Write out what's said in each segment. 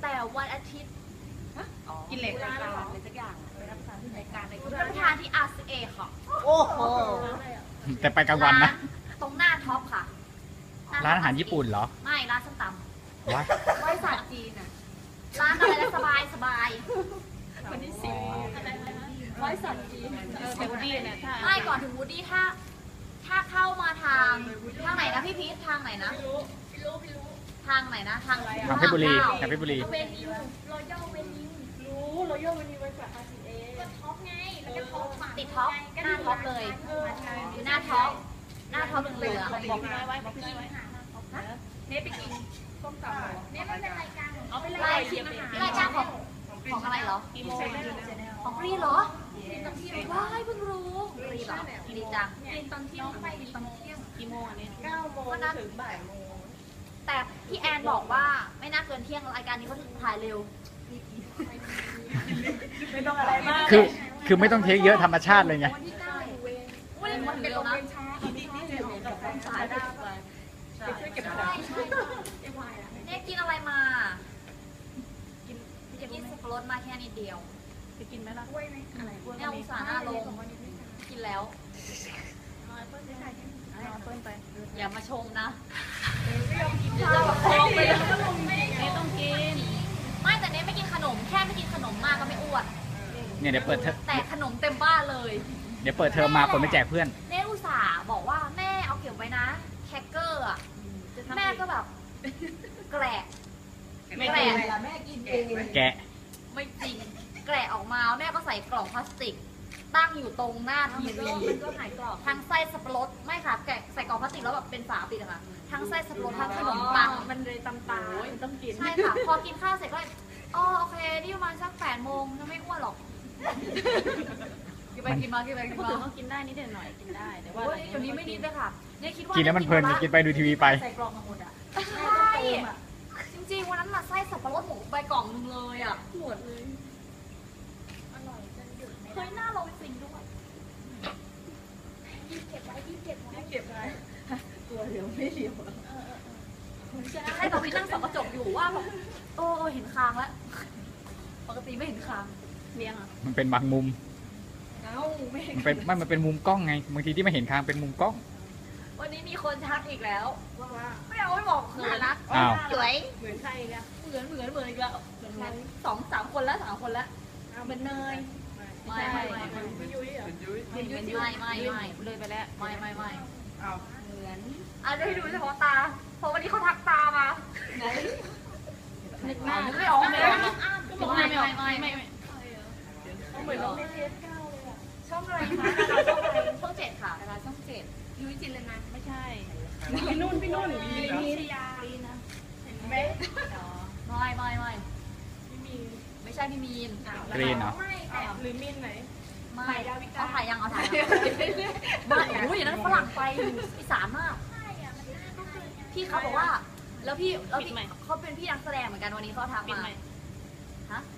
แต่วันอาทิตย์กินเหล็กร้านอะไรสักอย่างไปรับประทานที่ RCA ค่ะโอ้โหแต่ไปกลางวันนะตรงหน้าท็อปค่ะร้านอาหารญี่ปุ่นเหรอไม่ร้านส้มตำว้าบริษัทจีนอ่ะร้านอะไรสบายวันที่10 บริษัทจีนแต่วูดดี้เนี่ยไม่ก่อนถึงวูดดี้ถ้าเข้ามาทางไหนนะพี่พีททางไหนนะทางไหนนะทางเพชรบุรีเวนิวรอยัลเวนิวรอยัลเวนิวไว้กับ RCA ก็ท็อปไงแล้วก็ท็อปติดท็อปหน้าท็อปเลยอยู่หน้าท็อปเหลือบอกพี่น้อยไว้เนทไปกินส้มตำเนทเป็นรายการรายการของอะไรเหรอของกรีเหรอว้ายเพิ่งรู้กรีเหรอดีจังกินตอนเที่ยงกี่โมงอันนี้ 9 โมงถึงบ่ายโมงแต่พี่แอนบอกว่าไม่น่าเกินเที่ยงรายการนี้เขาถึงถ่ายเร็วไม่ต้องอะไรมากคือไม่ต้องเทคเยอะธรรมชาติเลยไงวันที่9วันเป็นโรงเรียนช้าสายได้ไปช่วยเก็บของเนี่ยกินอะไรมากินสับปะรดมาแค่นิดเดียวจะกินไหมล่ะเนี่ยอุตส่าห์หน้าลงกินแล้วอย่ามาชมนะจะแบบโค้งไปเลยไม่ต้องกินไม่แต่เนี้ยไม่กินขนมแค่ไม่กินขนมมากก็ไม่อ้วนเนี่ยเดี๋ยวเปิดเทอมแต่ขนมเต็มบ้านเลยเดี๋ยวเปิดเทอมมาคนไม่แจกเพื่อนเนอุตส่าห์บอกว่าแม่เอาเก็บไว้นะแคคเกอร์อ่ะแม่ก็แบบแกะแม่กินเองแกะไม่จริงแกะออกมาแม่ก็ใส่กล่องพลาสติกตั้งอยู่ตรงหน้าทีวีก็หายกรอบทั้งไส้สับปะรดไม่ค่ะแกะใส่กล่องพลาสติกแล้วแบบเป็นฝาปิดอะค่ะทั้งไส้สับปะรดทั้งขนมปังมันเลยตำตาต้องกินใช่ค่ะพอกินข้าวเสร็จก็อ๋อโอเคนี่ประมาณสัก8 โมงจะไม่อ้วนหรอกกินไปกินมาก็กินได้นิดหน่อยกินได้แต่ว่าเดี๋ยวนี้ไม่นิดเลยค่ะเนี่ยคิดว่ากินแล้วมันเพลินกินไปดูทีวีไปใส่กล่องมาหมดอ่ะใช่จริงๆวันนั้นมาไส้สับปะรดหมูใบกล่องนึงเลยอ่ะหมดเลยอร่อยจนหยุดเคยหน้าลงจริงด้วยเก็บไว้ตัวเหลียวไม่เหลียวให้ตอนพี่นั่งส่องกระจกอยู่ว่าแบบเห็นคางแล้วปกติไม่เห็นคางเลี้ยงอ่ะมันเป็นบางมุมมันเป็นมุมกล้องไงบางทีที่ไม่เห็นคางเป็นมุมกล้องวันนี้มีคนทักอีกแล้วว่าไม่เอาไม่บอกเขินนะสวยเหมือนใครกันเหมือนอีกแล้ว2-3 คนแล้วเหมือนเนยไม่ยุ้ยเหรอไม่เลยไปแล้วไม่เหมือนให้ดูเฉพาะตาเพราะวันนี้เขาทักตามานึกหน้าไม่ออกเลยไม่เหมือนเราในเทป9เลยอ่ะช่องอะไรคะช่อง7ค่ะช่อง7ยุ้ยจินเลยนะไม่ใช่พี่นุ่นพิชยานะเห็นไหมไม่ใช่พี่มีนกรีนเหรอหรือมินไหนไม่เอาถ่ายยังไม่อย่างนั้นฝรั่งไปอีสานมากพี่เขาบอกว่าแล้วพี่เขาเป็นพี่นักแสดงเหมือนกันวันนี้เขาทักมาฮะ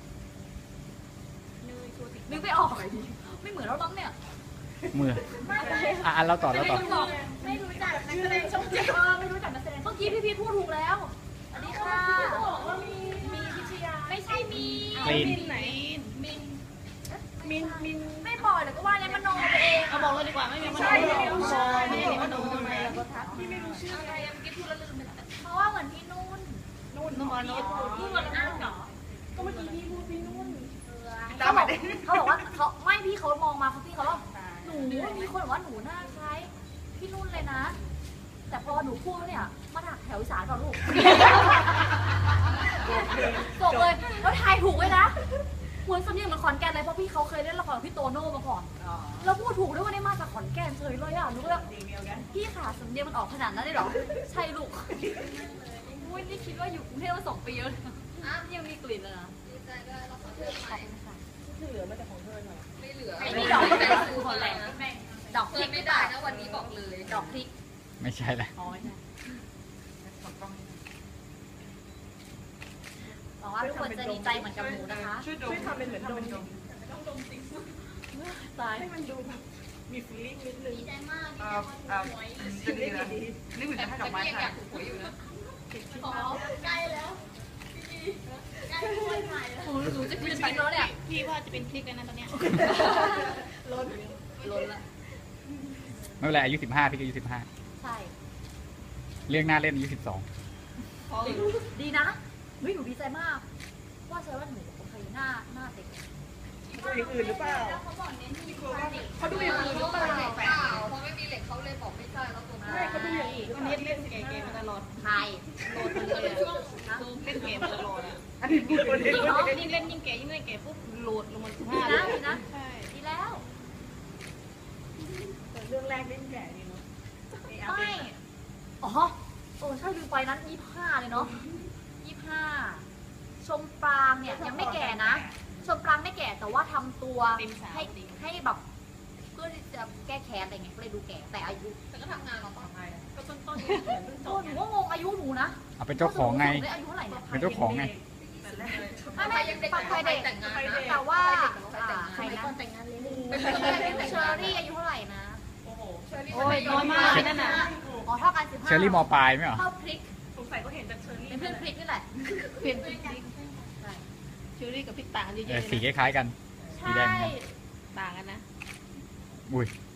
นึกไม่ออกไม่เหมือนเราต้องเนี่ยมือเราต่อไม่รู้จักนักแสดงช่อง7ไม่รู้จักนักแสดงเมื่อกี้พี่พูดถูกแล้วอันนี้ค่ะบอกว่ามีพิชยาไม่ใช่มีมินไหนมินไม่บอกเลยก็ว่าเนี่ยมโนไปเองเอาบอกเลยดีกว่าไม่มีมโนมโนทำไมเราก็ทักพี่ไม่รู้ชื่ออะไรเมื่อกี้พูดแล้วลืมไปเพราะว่าเหมือนพี่นุ่นพูดเหมือนอ้าวเหรอก็เมื่อกี้พี่พูดพี่นุ่นเขาบอกว่าเขาไม่พี่เขามองมาพี่เขาว่าหนูมีคนบอกว่าหนูหน้าคล้ายพี่นุ่นเลยนะแต่พอหนูพูดเนี่ยมาถักแถวอีสานก่อนลูกจบเลยแล้วทายถูกไว้นะเหมือนสำเนียงเหมือนขอนแก่นเลยเพราะพี่เขาเคยเล่นละครพี่โตโน่มาก่อนแล้วพูดถูกด้วยว่าได้มาจากขอนแก่นเฉยเลยอ่ะรู้แล้วพี่ขาสำเนียงมันออกขนาดนั้นได้หรอใช่ลูกอุ้ยนี่คิดว่าอยู่กรุงเทพมา2 ปีแล้วยังมีกลิ่นเลยนะดีใจด้วยแล้วก็ขอบคุณค่ะที่เหลือมาจากของเธอหน่อยไม่เหลือไม่ดอกแต่คือคนแรงดอกพริกไม่ได้นะวันนี้บอกเลยดอกพริกไม่ใช่ละหวังว่าทุกคนจะดีใจเหมือนกับหนูนะคะช่วยทำเป็นเหมือนดมต้องดมจริงตายให้มันดูแบบมีฟีลิ่งนิดนึงดีใจมากจะดีนะนี่เหมือนจะให้ดอกไม้ค่ะถูกหวยอยู่นะใกล้แล้วใกล้หนูจะกินชิ้นแล้วเนี่ยพี่ว่าจะเป็นพริกแล้วนะตอนเนี้ยล้นละไม่เป็นไรอายุ15พี่ก็อายุใช่ 15เรื่องหน้าเล่นอายุ12 พอดีนะเฮ้ยหนูดีใจมาก ว่าใช่ว่าหนูโอเคหน้าเด็กดูอย่างอื่นหรือเปล่าเขาบอกเน้นที่เขาดูอย่างอื่นหรือเปล่าเพราะไม่มีเหล็กเขาเลยบอกไม่ใช่แล้วตัวนั้นไม่เขาดูอย่างอื่นอันนี้เล่นเกมมาตลอดใช่โหลดมันเลยอะเล่นเกมมาตลอดอ่ะอันนี้พูดคนเองยิ่งเล่นยิ่งเก๋ยิ่งเล่นเก๋ปุ๊บโหลดลงมาดี 15 นะดีนะใช่ดีแล้วแต่เรื่องแรกเล่นแก่ดีเนาะไม่อ๋อใช่ลืมไปนั้น25เลยเนาะ25ชมปรางเนี่ยยังไม่แก่นะ ชมปรางไม่แก่แต่ว่าทำตัวให้แบบเพื่อที่จะแก้แค้นอะไรเงี้ยก็เลยดูแก่แต่อายุแต่ก็ทำงานเราต่อไปก็ต้นโอ้หนูก็งงอายุหนูนะเอาเป็นเจ้าของไงอายุเท่าไหร่เนี่ยเป็นเจ้าของไงไม่ปักไฟเด็กแต่ว่าใครนะเชอรี่อายุเท่าไหร่นะโอ้โหโอ้ยน้อยมากเลยนั่นน่ะอ๋อเท่ากัน15 เชอรี่มปลายไหมเหรอเท่าพริกสงสัยก็เห็นจากเชอรี่เป็นเพื่อนพริกนี่แหละเปลี่ยนพริกเชอรี่กับพริกต่างกันเยอะๆเลยสีคนะล้ายๆกัน สีแดงใช่เหมือนกันต่างกันนะอุ้ย